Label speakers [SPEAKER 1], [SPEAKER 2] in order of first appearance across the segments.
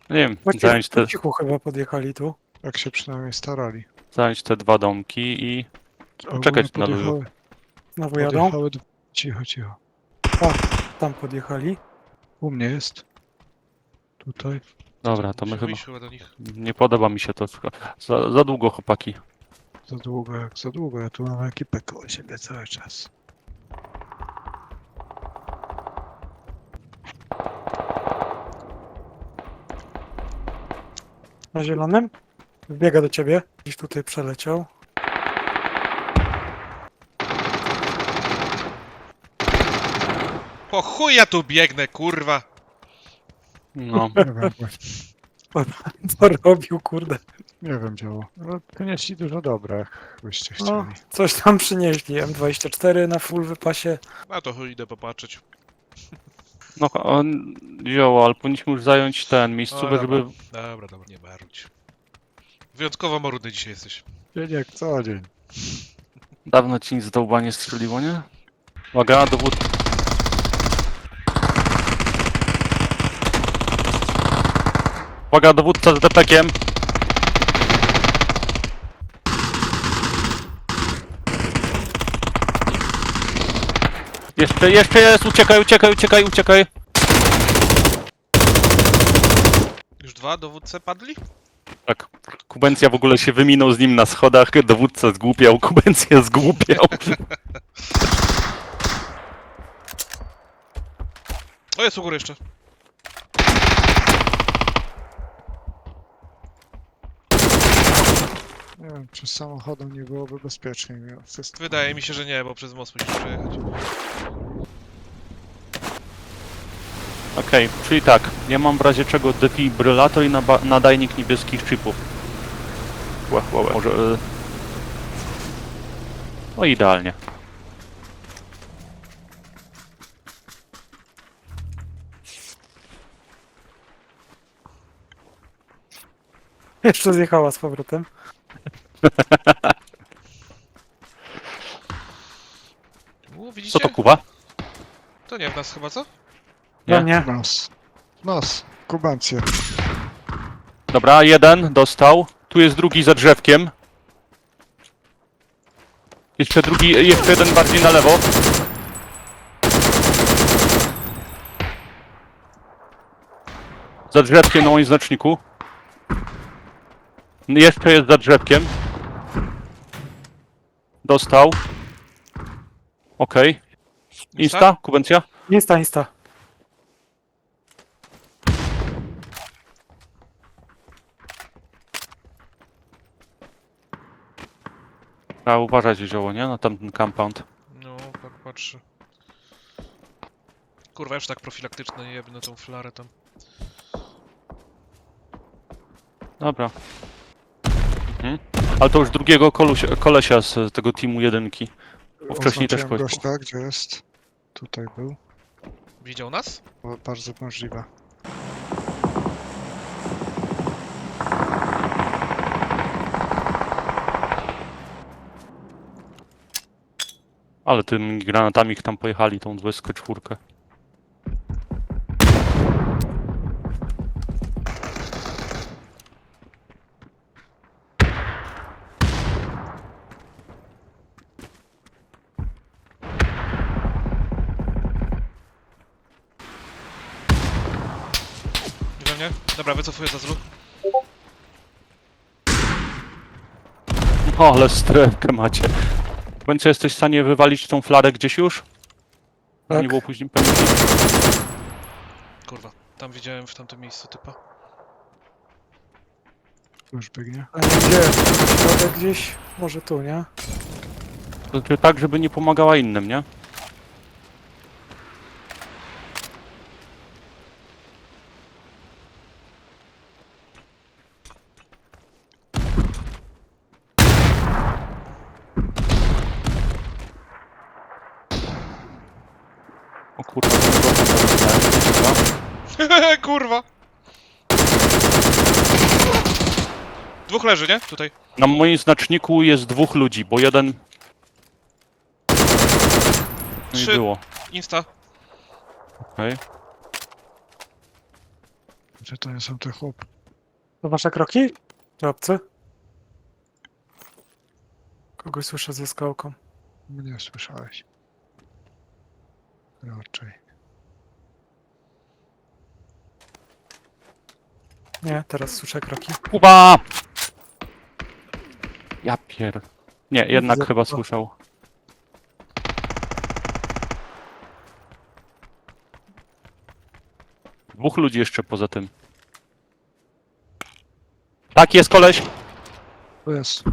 [SPEAKER 1] Nie wiem,
[SPEAKER 2] Właściwie po cichu chyba podjechali tu.
[SPEAKER 3] Tak się przynajmniej starali.
[SPEAKER 1] zająć te dwa domki i poczekać na luju.
[SPEAKER 2] Znowu jadą.
[SPEAKER 3] Podjechały... Cicho, cicho.
[SPEAKER 2] Tam podjechali.
[SPEAKER 3] U mnie jest. Tutaj.
[SPEAKER 1] Dobra, to my
[SPEAKER 4] Musimy
[SPEAKER 1] chyba...
[SPEAKER 4] wyjść chyba do nich.
[SPEAKER 1] Nie podoba mi się to. Za długo, chłopaki.
[SPEAKER 3] Za długo jak za długo. Ja tu mam ekipę koło siebie cały czas.
[SPEAKER 2] Na zielonym. Wbiega do ciebie. Gdzieś tutaj przeleciał.
[SPEAKER 4] Po chuj ja tu biegnę, kurwa!
[SPEAKER 1] No,
[SPEAKER 3] Nie wiem,
[SPEAKER 2] Co robił, kurde.
[SPEAKER 3] nie wiem działo. No, przynieśli dużo dobra, jakbyście
[SPEAKER 2] No,
[SPEAKER 3] chcieli.
[SPEAKER 2] coś tam przynieśli. M24 na full wypasie.
[SPEAKER 4] A to chuj, idę popatrzeć.
[SPEAKER 1] no on wziął, ale powinniśmy już zająć ten miejscówę, żeby...
[SPEAKER 4] Dobra, nie marudź. Wyjątkowo marudny dzisiaj jesteś.
[SPEAKER 3] Dzień jak co dzień.
[SPEAKER 1] Dawno ci nic z dołba nie strzeliło, nie? Uwaga, dowód. Uwaga, dowódca z depekiem. Jeszcze jest, uciekaj.
[SPEAKER 4] Już dwa dowódcy padli?
[SPEAKER 1] Tak, Kubencja w ogóle się wyminął z nim na schodach, dowódca zgłupiał, Kubencja zgłupiał.
[SPEAKER 4] O, jest u góry jeszcze.
[SPEAKER 3] Nie wiem, czy samochodem nie byłoby bezpieczniej mimo wszystko.
[SPEAKER 4] Wydaje mi się, że nie, bo przez most musisz przejechać.
[SPEAKER 1] Okej, czyli tak, ja mam w razie czego defibrylator i nadajnik niebieskich chipów. Może... No idealnie.
[SPEAKER 2] Jeszcze zjechała z powrotem.
[SPEAKER 4] Widzicie?
[SPEAKER 1] Co to, Kuba?
[SPEAKER 4] To nie w nas chyba, co?
[SPEAKER 1] Nie?
[SPEAKER 2] No nie.
[SPEAKER 3] Nos. Kubancję.
[SPEAKER 1] Dobra, jeden dostał. Tu jest drugi za drzewkiem. Jeszcze jeden bardziej na lewo. Za drzewkiem na moim znaczniku. Jeszcze jest za drzewkiem. Dostał. Okej. Insta? Kubencja?
[SPEAKER 2] Insta.
[SPEAKER 1] Trzeba uważać zioło, nie? Na tamten compound.
[SPEAKER 4] No, tak patrzę. Kurwa, już tak profilaktyczne jebnę tą flarę tam.
[SPEAKER 1] Dobra. Ale to już drugiego kolesia z tego teamu jedynki. Bo wcześniej też
[SPEAKER 3] Oznaczyłem
[SPEAKER 1] kogoś...
[SPEAKER 3] gościa, gdzie jest. Tutaj był.
[SPEAKER 4] Widział nas?
[SPEAKER 3] Bardzo możliwe.
[SPEAKER 1] Ale tymi granatami tam pojechali, tą 24.
[SPEAKER 4] Nie we mnie? Dobra, wycofuję za zlu.
[SPEAKER 1] O, ale strefkę macie. Będzie jesteś w stanie wywalić tą flarę gdzieś już?
[SPEAKER 2] Tak.
[SPEAKER 1] Nie było później pewnie.
[SPEAKER 4] Kurwa, tam widziałem w tamtym miejscu typa.
[SPEAKER 3] Już biegnie.
[SPEAKER 2] A gdzie? Na środek gdzieś? Może tu, nie?
[SPEAKER 1] To znaczy tak, żeby nie pomagała innym, nie? O kurwa,
[SPEAKER 4] Kurwa! Dwóch leży, nie? Tutaj.
[SPEAKER 1] na moim znaczniku jest dwóch ludzi, bo jeden... No i
[SPEAKER 4] 3.
[SPEAKER 1] było.
[SPEAKER 4] Insta.
[SPEAKER 1] Okej.
[SPEAKER 3] Gdzie to nie są te chłopy?
[SPEAKER 2] To wasze kroki? Czy obcy? Kogoś słyszę ze skałką.
[SPEAKER 3] Mnie słyszałeś. Raczej.
[SPEAKER 2] Nie, teraz słyszę kroki.
[SPEAKER 1] Kuba! Ja pier... Nie, jednak
[SPEAKER 2] widzę
[SPEAKER 1] chyba
[SPEAKER 2] Kuba.
[SPEAKER 1] słyszał. Dwóch ludzi jeszcze poza tym. Tak, jest koleś!
[SPEAKER 3] To jest.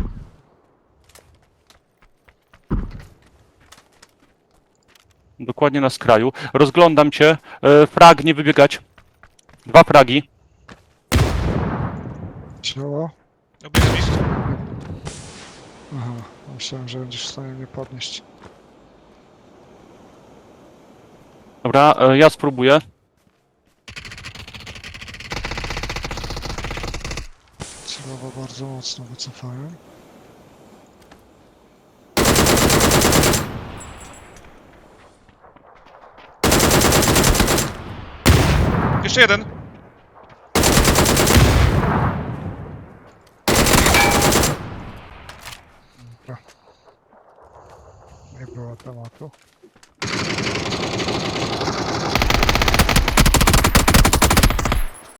[SPEAKER 1] Dokładnie na skraju. Rozglądam cię. Frag, nie wybiegać. 2 fragi.
[SPEAKER 3] Ciało?
[SPEAKER 4] Obieg blisko.
[SPEAKER 3] Aha, myślałem, że będziesz w stanie mnie podnieść.
[SPEAKER 1] Dobra, ja spróbuję.
[SPEAKER 3] Celowo bardzo mocno wycofałem.
[SPEAKER 4] Jeszcze jeden.
[SPEAKER 3] Dobra. Nie było tematu.